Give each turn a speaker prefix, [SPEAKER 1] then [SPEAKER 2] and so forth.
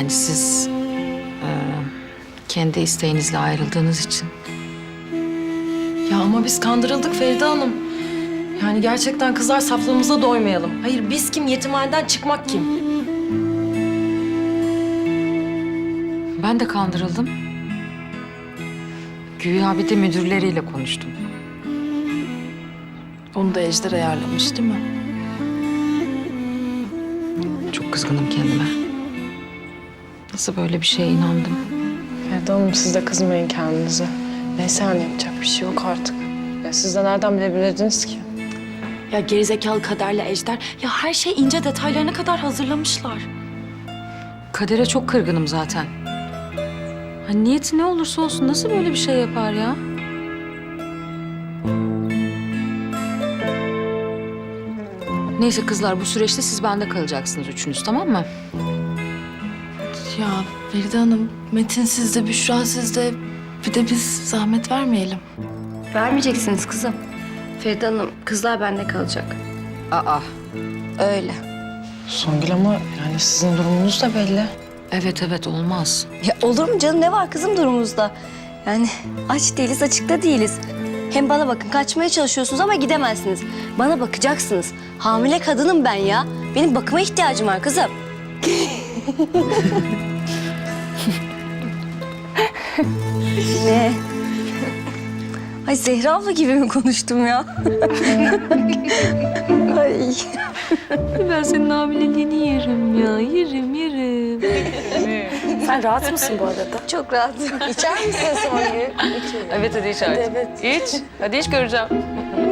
[SPEAKER 1] Yani siz kendi isteğinizle ayrıldığınız için.
[SPEAKER 2] Ya ama biz kandırıldık Feride Hanım. Yani gerçekten kızlar saflığımıza doymayalım. Hayır biz kim? Yetimhaneden çıkmak kim?
[SPEAKER 1] Ben de kandırıldım. Güya bir de müdürleriyle konuştum.
[SPEAKER 2] Onu da Ejder ayarlamış değil mi?
[SPEAKER 1] Çok kızgınım kendime. Nasıl böyle bir şeye inandım?
[SPEAKER 2] Feride Hanım siz de kızmayın kendinize. Neyse yani yapacak bir şey yok artık. Ya siz de nereden bilebilirdiniz ki?
[SPEAKER 3] Ya gerizekalı Kader'le Ejder ya her şey ince detaylarına kadar hazırlamışlar.
[SPEAKER 1] Kader'e çok kırgınım zaten. Hani niyeti ne olursa olsun nasıl böyle bir şey yapar ya? Neyse kızlar, bu süreçte siz bende kalacaksınız üçünüz, tamam mı?
[SPEAKER 2] Ya Feride Hanım, Metin sizde, Büşra sizde. Bir de biz zahmet vermeyelim.
[SPEAKER 4] Vermeyeceksiniz kızım. Feride Hanım, kızlar bende kalacak.
[SPEAKER 1] Aa,
[SPEAKER 4] Öyle.
[SPEAKER 2] Songül ama yani sizin durumunuz da belli.
[SPEAKER 1] evet olmaz.
[SPEAKER 4] Ya olur mu canım? Ne var kızım durumumuzda? Yani aç değiliz, açıkta değiliz. Hem bana bakın, kaçmaya çalışıyorsunuz ama gidemezsiniz. Bana bakacaksınız. Hamile kadınım ben ya. Benim bakıma ihtiyacım var kızım. Ne? Ay Zehra abla gibi mi konuştum ya? Ay.
[SPEAKER 1] Ben senin hamileliğini yerim ya, yerim.
[SPEAKER 3] Sen rahat mısın bu arada?
[SPEAKER 4] Çok rahatım. İçer misin Songül?
[SPEAKER 2] Evet hadi iç artık. İç. Hadi iç göreceğim.